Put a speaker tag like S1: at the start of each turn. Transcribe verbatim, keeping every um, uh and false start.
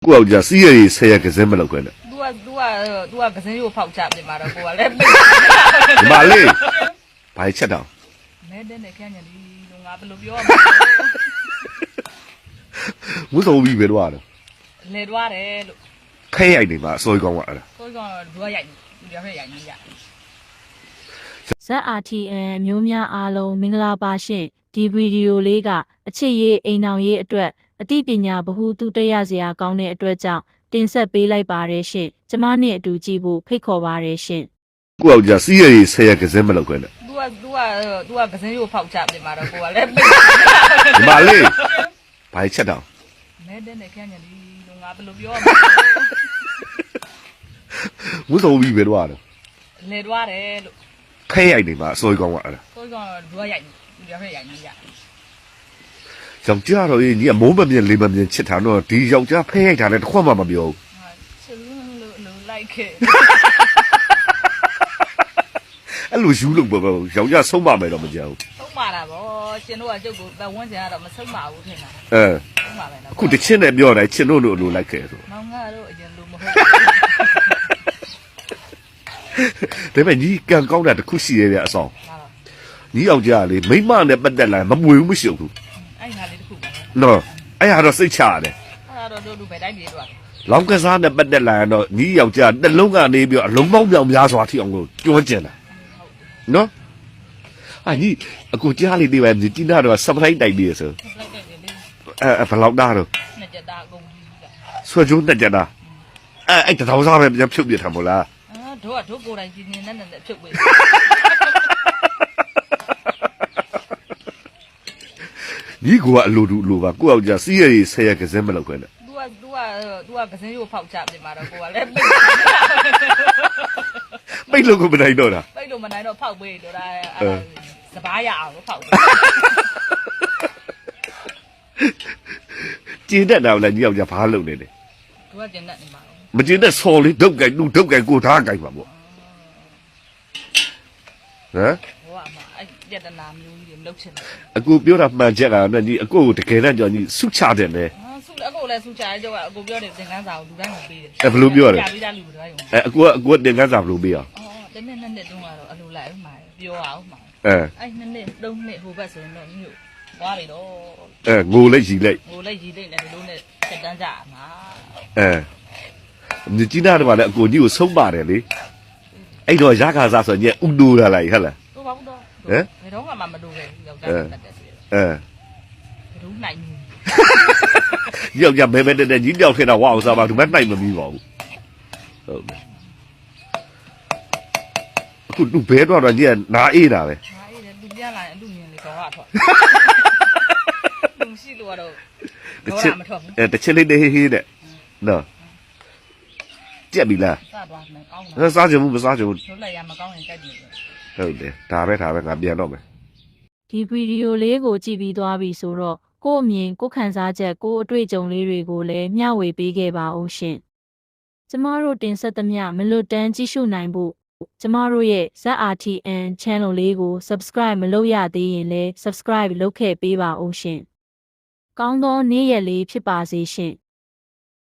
S1: ကိုယ့်ယောက်ျားစီးရည်ဆဲရကစင်းမလုပ်ခွင့်နဲ့
S2: तू က तू က तू ကကစင်းကိုဖောက်ချပြင်မှာတော့ကိုကလည်းပိတ်
S1: ဒီမလေးဘာချက်တော့
S2: မဲတဲ့နဲ့ခန့်ညာလီလို့ငါဘယ်လိုပြောရမ
S1: ဝှစုံပြီးပဲတော့
S2: လဲလဲတွားတယ်လို့
S1: ခဲရိုက်နေမှာအစိုးရကောင်းကအဲ့ဒါ
S2: ကိုကောင်ဒွားရိုက်ဒီပြောင်းရိုက်နေရ
S3: ဇက် အာ တီ အန် မျိုးများအားလုံးမင်္ဂလာပါရှင်ဒီဗီဒီယိုလေးကအချစ်ရေးအိမ်အောင်ရေးအတွက်အသိပညာဗဟုသုတရစရာကောင်းတဲ့အတွက်ကြောင့်တင်ဆက်ပေးလိုက်ပါတယ်ရှင်ကျမနဲ့အတူကြည့်ဖို့ဖိတ်ခေါ်ပါတယ်ရှင်
S1: ကိုယ့်ယောက်ျားစီးရည်ဆဲရကစင်းမလုပ်ခွင့်နဲ့
S2: तू က तू က तू ကကစင်းကိုဖောက်ချပြင်မှာတော့ကိုကလည်းပိတ်
S1: ဒီမလေးဘာချက်တော့
S2: မဲတဲ့နဲ့ခန့်ညာလီလို့ငါဘယ်လိုပြောရမ
S1: ဝှစုံပြီးပဲတော့
S2: လဲတွားတယ်လို့
S1: ခဲရိုက်နေမှာအစိုးရကောင်းကအဲ့ဒါ
S2: ကိုကောင်ဒွားရိုက်ဒီပြောင်းရိုက်နေရ
S1: ယောက်ျားတော့ညီကမိုးမမြင်လေးမမြင်ချစ်တာတော့ဒီယောက်ျားဖဲရိုက်တာလည်းတစ်ခွက်မှမပြောဘူး
S2: ချစ်လို့လို့လိုက်ခဲ့
S1: အဲ့လိုယူလို့ပေါ့ယောက်ျားဆုံးမမယ်တော့မကြောက်ဘူး
S2: ဆုံးပါတာဗောရှင်တို့ကကျုပ်ကိုပတ်ဝန်းကျင်ကတော့မဆုံးပါဘူးထင်တာ
S1: အဲ
S2: ဆုံးပါပဲနော်
S1: အခုတစ်ချင်းနဲ့ပြောတယ်ချစ်လို့လို့လိုလိုက်ခဲ့ဆို
S2: မောင်ငါတို့အရင်လိုမဟုတ်
S1: ဒါပေမဲ့ညီကံကောင်းတာတစ်ခုရှိရဲ့ဗျအဆောင်
S2: ဘူး
S1: ညီယောက်ျားလေမိမနဲ့ပတ်သက်လာမမွေဘူးမရှိဘူး
S2: အဲ့ငါလေးတစ်ခုပဲ
S1: နော်အဲ့ဟာတော့စိတ်ချရတယ်
S2: အဲ့ဒါတော့တို့လူပဲတိုင်းပြေတော့
S1: လောင်းကစားနဲ့ပတ်သက်လာရင်တော့ညီယောက်ျားတစ်လုံးကနေပြီးတော့အလုံးပေါင်းပြောင်များစွာထိအောင်လို့ကျွမ်းကျင်တာနော်အာညီအခုကြားလေးတွေပဲဒီတိနာတော့စပလိုက်တိုက်ပြီးရဆို
S2: လိုက်တဲ့လေ
S1: အဲဘလောက်သားတော့
S2: နှစ်ကြတာအကုန်ကြီးက
S1: ဆွဲကျိုးတက်ကြတာအဲအဲ့တထောင်စားပဲပြန်ဖြုတ်ပြထားမို့လား
S2: အာတို့ကတို့ကိုယ်တိုင်ကြီးနေနဲ့နဲ့ဖြုတ်ပေး
S1: ညီကအလိုတူအလိုပါကိုယ့်ယောက်ျားစီးရည်ဆဲရကစင်းမလုပ်ခွင့်နဲ့
S2: तू က तू က तू ကကစင်းကိုဖောက်ချပြင်မှာတော့ကိုကလည်းပိတ်
S1: ပိတ်လို့ကိုမနိုင်တော့တာ
S2: ပိတ်လို့မနိုင်တော့ဖောက်ပေးတော့ဒါအဲ့စပားရအောင်လို့ဖောက်ပေး
S1: ကျင်းတက်တာလည်းညီယောက်ျားဘာလုပ်နေလဲ
S2: သူကကျင်တတ်နေမှာ
S1: မကျင်းတဲ့ဆော်လေးဒုတ်ကြိုက်လူဒုတ်ကြိုက်ကိုထားကြိုက်ပါပေါ့ဟမ်
S2: ဟိုကမှအဲ့ပြဿနာမျိုးကြီးတွေမလုပ်ချင်ဘူး
S1: အကူပြောတာမှန်ချက်ကလည်းညီအကိုကိုတကယ်နဲ့ကြောင့်ညီဆုချတယ်လေ
S2: ဟာဆုအကိုလည်းဆုချရဲကြောကအကိုပြောတယ်သင်္ကန်းစာကိုလူတိုင်းကိုပေးတယ်
S1: အဲဘယ်လိုပြောရလဲ
S2: ကြာပြီးသားလူတွေတိုင်းကို
S1: အဲအကူကအကူကတင်ကန်းစာဘယ်လိုပေးအောင်
S2: အော်တနေ့နဲ့နဲ့တုန်းကတော့အလိုလိုက်အောင်မှာပြောအောင်မှာ
S1: အဲ
S2: အဲ့နှစ်နှစ်သုံးနှစ်ဟိုဘက်ဆိုရင်တော့မြို့သွားပြီတော့
S1: အဲငိုလိုက်ရီလိုက်
S2: ဟိုလည်းရည်လိုက်လည်းဒီလိုနဲ့စက်တန်းကြမှာ
S1: အဲညီကြီးနာတော့လည်းအကူကြီးကိုဆုံးပါတယ်လေအဲ့တော့ရခါစားဆိုညဥတူလာလိုက်ဟဟလား
S2: တော့ဘာလို့တော့
S1: ဟမ်
S2: ဘယ်တော့မှမတူခဲ့ဘူးယောက်ျားတက်တက်ဆိုရ
S1: အဲ
S2: ဘယ်လိုနိုင်ဘူး
S1: ယောက်ျားမဲမဲတဲ့တဲ့ကြီးတယောက်ထဲတော့ဝအောင်စားပါသူမနိုင်မမီးပါဘူးဟုတ်တယ်အခုသူဘဲတော့တော့ညီကနာအေးတာပဲ
S2: ဟာအေးတယ်လူပြလာရင်အလူမြင်လေတော့ထွက်လူရှိလို့ကတော့
S1: တစ်
S2: တော့
S1: ချက်
S2: မထွက်ဘူး
S1: အဲတစ်ချက်လေးတဟေးဟေးတဲ့နော်ကြက်ပြီလား
S2: စသွားမယ်ကောင်း
S1: အဲ
S2: တာ
S1: စားချင်ဘူးမစားချင်ဘူး
S2: တို့လိုက်ရမကောင်းရင်ကြိုက်တယ်
S1: ဟုတ်တယ်ဒါပဲဒါပဲငါပြန်တော့မယ်
S3: ဒီဗီဒီယိုလေးကိုကြည့်ပြီးသွားပြီဆိုတော့ကိုယ့်အမြင်ကိုယ့်ခံစားချက်ကိုယ့်အတွေ့အကြုံလေးတွေကိုလည်းမျှဝေပေးခဲ့ပါဦးရှင်ကျမတို့တင်ဆက်သမျှမလွတ်တမ်းကြည့်ရှုနိုင်ဖို့ကျမတို့ရဲ့ ဇက် အာ တီ အန် channel လေးကို subscribe မလုပ်ရသေးရင်လည်း subscribe လုပ်ခဲ့ပေးပါဦးရှင်ကောင်းသောနေ့ရက်လေးဖြစ်ပါစေရှင်